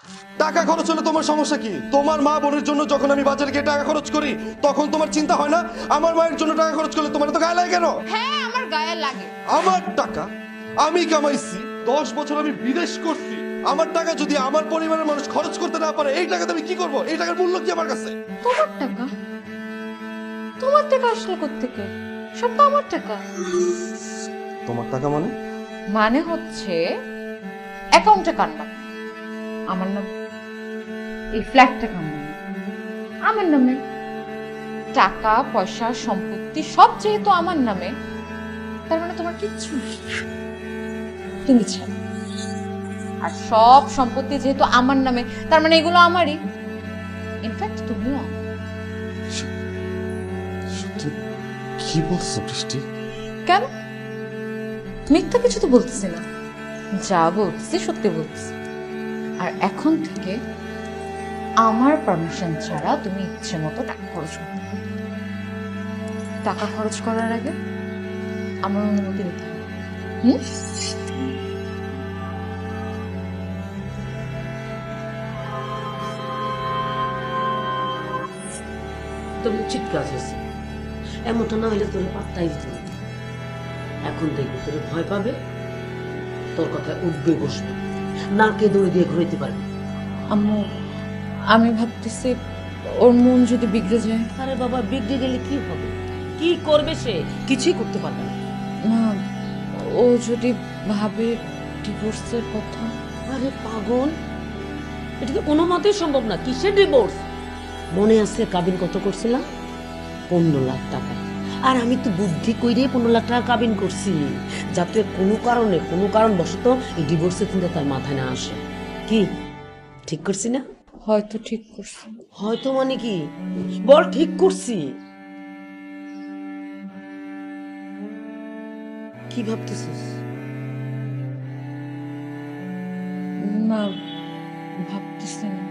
টাকা খরচ হলে তোমার সমস্যা কি? তোমার মা বোনের জন্য যখন আমি বাজারে গিয়ে টাকা খরচ করি তখন তোমার চিন্তা হয় না আমার মায়ের জন্য টাকা খরচ করলে তোমার তো গায়ে লাগে কেন? হ্যাঁ আমার গায়ে লাগে। আমার টাকা আমি কামাইছি, 10 বছর আমি বিদেশ করছি। আমার টাকা যদি আমার পরিবারের মানুষ খরচ করতে না পারে এই টাকাতে আমি কি করব? এই টাকার মূল্য কি আমার কাছে? তোমার টাকা? তোমার টাকা আসলে কোত্থেকে? সব তো আমার টাকা। তোমার টাকা মানে? মানে হচ্ছে অ্যাকাউন্টে কার নাম? আমার নাম। এই ফ্ল্যাটটা কার নামে? আমার নামে। টাকা পয়সা সম্পত্তি সব যেহেতু আমার নামে, তার মানে তোমার কিচ্ছু নেই। তুমি ছাড়া। আর সব সম্পত্তি যেহেতু আমার নামে, তার মানে এগুলো আমারই। ইনফ্যাক্ট তুমিও আমার। সত্যি কি বলছো বৃষ্টি? কেন? মিথ্যা কিছু তো বলতেছি না, যা বলতেছি সত্যি বলতেছি। আর এখন থেকে আমার পারমিশন ছাড়া তুমি ইচ্ছে মতো টাকা খরচ করতে পারো। টাকা খরচ করার আগে আমার অনুমতি দিতে হবে। হুম? তুমি উচিত কাজ হয়েছে, এমনটা না হইলে তোর পাত্তাই দিত না। এখন দেখবি তোর ভয় পাবে, তোর কথায় উঠবে বসবে, নাকে দড়ি দিয়ে ঘুরাইতে পারবি। আম্মু, আমি ভাবতেছি ওর মন যদি বিগড়ে যায়। আরে বাবা, বিগড়ে গেলে কি হবে? কি করবে সে? কিছুই করতে পারবে না। না, ও যদি ভাবে ডিভোর্সের কথা। আরে পাগল, এটা তো কোনো মতেই সম্ভব না। কিসের ডিভোর্স? মনে আছে কাবিন কত করছিলাম? 15 লাখ টাকা। আর আমি তো বুদ্ধি কইরে 15 লাখ টাকা কাবিন করছি, যাতে কোনো কারণবশত এই ডিভোর্সের চিন্তা তার মাথায় না আসে। কি ঠিক করছি না? হয়তো ঠিক করছে। হয়তো মানে কি? বল ঠিক করছি। কি ভাবতেছিস? না, ভাবতেছি না।